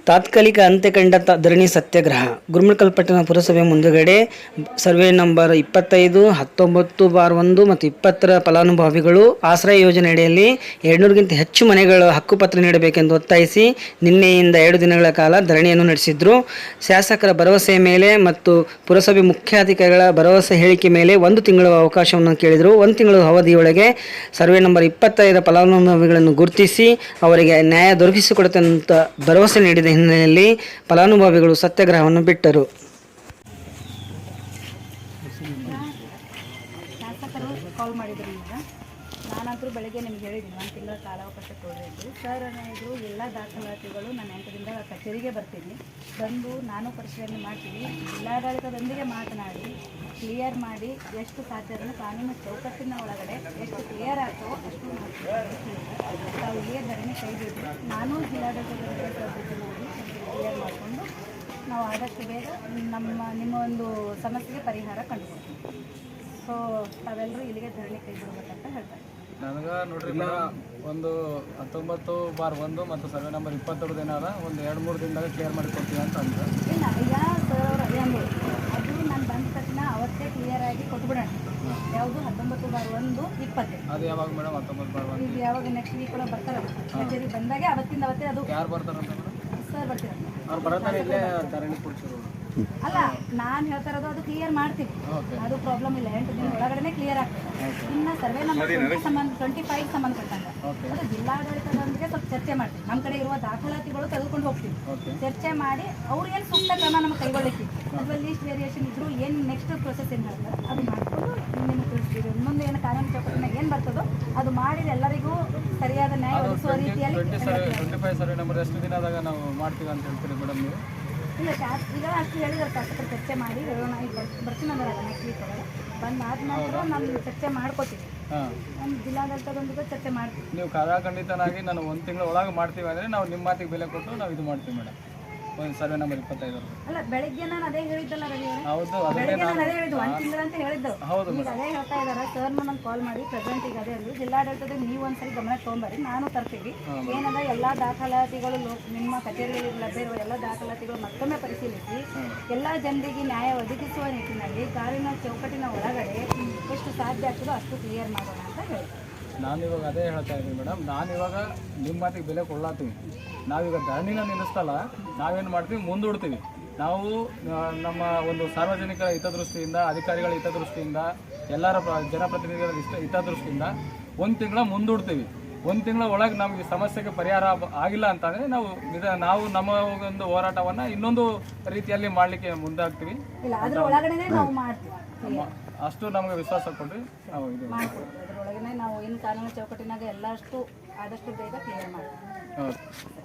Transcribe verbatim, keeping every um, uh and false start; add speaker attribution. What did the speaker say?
Speaker 1: ತಾತ್ಕಾಲಿಕ ಅಂತ್ಯ ಕಂಡ ತ ಧರಣಿ ಸತ್ಯಾಗ್ರಹ ಗುರುಮಿಟ್ಕಲ್ ಪಟ್ಟಣ ಪುರಸಭೆ ಮುಂದುಗಡೆ ಸರ್ವೆ ನಂಬರ್ ಇಪ್ಪತ್ತೈದು ಹತ್ತೊಂಬತ್ತು ಬಾರ್ ಒಂದು ಮತ್ತು ಇಪ್ಪತ್ತರ ಫಲಾನುಭವಿಗಳು ಆಶ್ರಯ ಯೋಜನೆ ಅಡಿಯಲ್ಲಿ ಎರಡುನೂರಕ್ಕಿಂತ ಹೆಚ್ಚು ಮನೆಗಳ ಹಕ್ಕುಪತ್ರ ನೀಡಬೇಕೆಂದು ಒತ್ತಾಯಿಸಿ ನಿನ್ನೆಯಿಂದ ಎರಡು ದಿನಗಳ ಕಾಲ ಧರಣಿಯನ್ನು ನಡೆಸಿದ್ರು. ಶಾಸಕರ ಭರವಸೆಯ ಮೇಲೆ ಮತ್ತು ಪುರಸಭೆ ಮುಖ್ಯಾಧಿಕಾರಿಗಳ ಭರವಸೆ ಹೇಳಿಕೆ ಮೇಲೆ ಒಂದು ತಿಂಗಳ ಅವಕಾಶವನ್ನು ಕೇಳಿದರು. ಒಂದು ತಿಂಗಳ ಅವಧಿಯೊಳಗೆ ಸರ್ವೆ ನಂಬರ್ ಇಪ್ಪತ್ತೈದರ ಫಲಾನುಭವಿಗಳನ್ನು ಗುರುತಿಸಿ ಅವರಿಗೆ ನ್ಯಾಯ ದೊರಕಿಸಿಕೊಡುತ್ತೆ ಅಂತ ಭರವಸೆ ನೀಡಿದ ಹಿನ್ನೆಲೆಯಲ್ಲಿ ಫಲಾನುಭವಿಗಳು ಸತ್ಯಾಗ್ರಹವನ್ನು ಬಿಟ್ಟರು.
Speaker 2: ಶಾಸಕರು ಕಾಲ್ ಮಾಡಿದ್ರು. ಈಗ ನಾನಂತರೂ ಬೆಳಗ್ಗೆ ನಿಮ್ಗೆ ಹೇಳಿದ್ದೀನಿ ಒಂದು ತಿಂಗಳ ಕಾಲಾವಕಾಶ ಕೊಡಬೇಕು ಸರ್ ಅನ್ನೋದು ಎಲ್ಲ ದಾಖಲಾತಿಗಳು ನಾನು ಎಂಟರಿಂದ ಕಚೇರಿಗೆ ಬರ್ತೀನಿ, ಬಂದು ನಾನು ಪರಿಶೀಲನೆ ಮಾಡ್ತೀನಿ, ಜಿಲ್ಲಾಡಳಿತದೊಂದಿಗೆ ಮಾತನಾಡಿ ಕ್ಲಿಯರ್ ಮಾಡಿ ಎಷ್ಟು ಸಾಧ್ಯ ಅದನ್ನು ಕಾನೂನು ಚೌಕಟ್ಟಿನ ಒಳಗಡೆ ಎಷ್ಟು ಕ್ಲಿಯರ್ ಆಗ್ತೋ ಅಷ್ಟು ನಾವು ಇಲ್ಲಿಯೇ ಧರಣಿ ಕೈ ಬಿಟ್ಟು ನಾನು ಜಿಲ್ಲಾಡಳಿತದೊಂದಿಗೆ ಮಾಡಿ ಕ್ಲಿಯರ್ ಮಾಡಿಕೊಂಡು ನಾವು ಆದಷ್ಟು ಬೇಗ ನಮ್ಮ ನಿಮ್ಮ ಒಂದು ಸಮಸ್ಯೆಗೆ ಪರಿಹಾರ ಕಂಡುಕೊಡ್ತೀವಿ. ಸೊ ತಾವೆಲ್ಲರೂ ಇಲ್ಲಿಗೆ ಧರಣಿ ಕೈ ಬಿಡಬೇಕಂತ ಹೇಳ್ತಾರೆ.
Speaker 3: ನನಗೆ ನೋಡ್ರಿ ಒಂದು ಹತ್ತೊಂಬತ್ತು ಬಾರ್ ಒಂದು ಮತ್ತು ಸರ್ವೆ ನಂಬರ್ ಇಪ್ಪತ್ತೆರಡು ದಿನ ಅದ ಒಂದು ಎರಡು ಮೂರು ದಿನದಾಗ ಕ್ಲಿಯರ್ ಮಾಡಿ ಕೊಡ್ತೀವಿ ಅಂತ ಅಂದ್ರೆ
Speaker 2: ಇಲ್ಲ ಯಾ ಸರ್ ಅವರು ಅದೇ ಅಂದರು. ಅದು ನಾನು ಬಂದ ತಕ್ಷಣ ಅವತ್ತೇ ಕ್ಲಿಯರ್ ಆಗಿ ಕೊಟ್ಬಿಡೋಣ. ಯಾವುದು ಹತ್ತೊಂಬತ್ತು ಬಾರ್ ಒಂದು ಇಪ್ಪತ್ತು
Speaker 3: ಅದು ಯಾವಾಗ ಮೇಡಮ್? ಹತ್ತೊಂಬತ್ತು ಬಾರ್ ಒಂದು
Speaker 2: ಈಗ ಯಾವಾಗ ನೆಕ್ಸ್ಟ್ ವೀಕ್ ಕೂಡ ಬರ್ತಾರಲ್ಲ ಕಚೇರಿ ಬಂದಾಗೆ ಅವತ್ತಿಂದ ಅವತ್ತೇ ಅದು
Speaker 3: ಯಾರು ಬರ್ತಾರಂತ ಮೇಡಮ್?
Speaker 2: ಸರ್ ಬರ್ತೀರ
Speaker 3: ಅವ್ರು ಬರೋದಾರೆ ಇಲ್ಲೇ ಧರಣಿ ಕೊಡ್ಸಿದ್ರು.
Speaker 2: ಅಲ್ಲ ನಾನು ಹೇಳ್ತಾ ಇರೋದು ಅದು ಕ್ಲಿಯರ್ ಮಾಡ್ತೀವಿ, ಅದು ಪ್ರಾಬ್ಲಮ್ ಇಲ್ಲ. ಎಂಟು ದಿನ ಒಳಗಡೆ ಕ್ಲಿಯರ್ ಆಗ್ತದೆ. ಇನ್ನು ಸರ್ವೆ ನಂಬರ್ ಸಂಬಂಧ ಟ್ವೆಂಟಿ ಫೈವ್ ಸಂಬಂಧಪಟ್ಟಂಗೆ ಅದು ಜಿಲ್ಲಾಡಳಿತದೊಂದಿಗೆ ಸ್ವಲ್ಪ ಚರ್ಚೆ ಮಾಡ್ತೀವಿ. ನಮ್ಮ ಕಡೆ ಇರುವ ದಾಖಲಾತಿಗಳು ತೆಗೆದುಕೊಂಡು ಹೋಗ್ತೀವಿ, ಚರ್ಚೆ ಮಾಡಿ ಅವ್ರು ಏನು ಸೂಕ್ತ ಕ್ರಮ ನಮಗೆ ಕೈಗೊಳ್ಳಿಕ್ಕೆ ಅಥವಾ ಲೀಸ್ಟ್ ವೇರಿಯೇಷನ್ ಇದ್ರು ಏನು ನೆಕ್ಸ್ಟ್ ಪ್ರೊಸೆಸ್ ಏನು ಹೇಳ್ತಾರೆ ಅದು ಮಾಡಿಕೊಂಡು ನಿಮಗೆ ತಿಳಿಸ್ತೀವಿ. ಇನ್ನೊಂದು ಏನು ಕಾನೂನು ಚೌಕಟ್ಟಿನಾಗ ಏನು ಬರ್ತದೋ ಅದು ಮಾಡಿದ ಎಲ್ಲರಿಗೂ ಸರಿಯಾದ ನ್ಯಾಯ ಒದಗಿಸುವ ರೀತಿಯಲ್ಲಿ.
Speaker 3: ಟ್ವೆಂಟಿ ಫೈವ್ ಸರ್ವೆ ನಂಬರ್ ಎಷ್ಟು ದಿನದಾಗ ನಾವು ಮಾಡ್ತೀವಿ ಅಂತ ಹೇಳ್ತೀರಿ ಮೇಡಮ್ ನೀವು?
Speaker 2: ಇಲ್ಲ ಶಾಸ್ ಈಗ ಅಷ್ಟು ಹೇಳಿದ್ರೆ ಶಾಸಕರು ಚರ್ಚೆ ಮಾಡಿ ಹೇಳೋಣ. ಈಗ ಬರ್ತೀನಿ ಅಂದ್ರೆ ನೆಕ್ಸ್ಟ್ ವೀಕ್ ಒಳಗೆ ಬಂದಾದ ನಂತರ ನಾನು ಚರ್ಚೆ ಮಾಡ್ಕೋತೀವಿ. ನಮ್ಮ ಜಿಲ್ಲಾಡಳಿತದೊಂದಿಗೆ ಚರ್ಚೆ ಮಾಡ್ತೀವಿ.
Speaker 3: ನೀವು ಖಂಡಿತನಾಗಿ ನಾನು ಒಂದು ತಿಂಗಳ ಒಳಗೆ ಮಾಡ್ತೀವಿ ಅಂದರೆ ನಾವು ನಿಮ್ಮ ಮಾತಿಗೆ ಬೆಲೆ ಕೊಟ್ಟು ನಾವು ಇದು ಮಾಡ್ತೀವಿ ಮೇಡಮ್. ಒಂದು ಸರ್ವೆ ನಂಬರ್ ಇಪ್ಪತ್ತೈದು
Speaker 2: ಅಲ್ಲ ಬೆಳಿಗ್ಗೆ ನಾನು ಅದೇ ಹೇಳಿದ್ದಲ್ಲ ರವಿ ಅವರೇ.
Speaker 3: ಹೌದು,
Speaker 2: ಬೆಳಿಗ್ಗೆ ನಾನು ಅದೇ ಹೇಳಿದ್ದು ಒಂದು ತಿಂಗಳ ಅಂತ ಹೇಳಿದ್ದು.
Speaker 3: ಹೌದು,
Speaker 2: ಈಗ ಅದೇ ಹೇಳ್ತಾ ಇದ್ದಾರೆ ಸರ್. ನಾನು ಕಾಲ್ ಮಾಡಿ ಪ್ರೆಸೆಂಟ್ ಈಗ ಅದೇ ಹೇಳಿದ್ರು ಜಿಲ್ಲಾಡಳಿತದ ನೀವು ಒಂದ್ಸರಿ ಗಮನಕ್ಕೆ ತೊಗೊಂಬರಿ, ನಾನು ತರ್ತೀವಿ. ಏನಂದ್ರೆ ಎಲ್ಲ ದಾಖಲಾತಿಗಳು ನಿಮ್ಮ ಕಚೇರಿಯಲ್ಲಿ ಲಭ್ಯ ಇರುವ ಎಲ್ಲ ದಾಖಲಾತಿಗಳು ಮತ್ತೊಮ್ಮೆ ಪರಿಶೀಲಿಸಿ ಎಲ್ಲ ಜನರಿಗೆ ನ್ಯಾಯ ಒದಗಿಸುವ ನಿಟ್ಟಿನಲ್ಲಿ ಕಾನೂನಿನ ಚೌಕಟ್ಟಿನ ಒಳಗಡೆ ಎಷ್ಟು ಸಾಧ್ಯ ಆಗ್ತದೋ ಅಷ್ಟು ಕ್ಲಿಯರ್ ಮಾಡೋಣ ಅಂತ ಹೇಳಿ
Speaker 3: ನಾನು ಇವಾಗ ಅದೇ ಹೇಳ್ತಾ ಇದ್ದೀನಿ ಮೇಡಮ್. ನಾನು ಇವಾಗ ನಿಮ್ಮ ಮಾತಿಗೆ ಬೆಲೆ ಕೊಡ್ಲಾತೀವಿ. ನಾವೀಗ ಧರಣಿನ ನಿಲ್ಲಿಸ್ತಲ್ಲ, ನಾವೇನು ಮಾಡ್ತೀವಿ ಮುಂದೂಡ್ತೀವಿ. ನಾವು ನಮ್ಮ ಒಂದು ಸಾರ್ವಜನಿಕರ ಹಿತದೃಷ್ಟಿಯಿಂದ, ಅಧಿಕಾರಿಗಳ ಹಿತದೃಷ್ಟಿಯಿಂದ, ಎಲ್ಲರ ಜನಪ್ರತಿನಿಧಿಗಳ ಇಷ್ಟ ಹಿತದೃಷ್ಟಿಯಿಂದ ಒಂದು ತಿಂಗಳ ಮುಂದೂಡ್ತೀವಿ. ಒಂದು ತಿಂಗಳ ಒಳಗೆ ನಮಗೆ ಸಮಸ್ಯೆಗೆ ಪರಿಹಾರ ಆಗಿಲ್ಲ ಅಂತಂದರೆ ನಾವು ನಿಧ ನಾವು ನಮ್ಮ ಒಂದು ಹೋರಾಟವನ್ನು ಇನ್ನೊಂದು ರೀತಿಯಲ್ಲಿ ಮಾಡಲಿಕ್ಕೆ ಮುಂದಾಗ್ತೀವಿ. ಅಷ್ಟು ನಮಗೆ ವಿಶ್ವಾಸ ಕೊಡ್ರಿ. ನಾವು ಇದು
Speaker 2: ಅದರೊಳಗನೆ ನಾವು ಇನ್ನು ಕಾನೂನು ಚೌಕಟ್ಟಿನಾಗ ಎಲ್ಲಷ್ಟು ಆದಷ್ಟು ಬೇಗ ಕ್ಲಿಯರ್ ಮಾಡ್ತೀವಿ.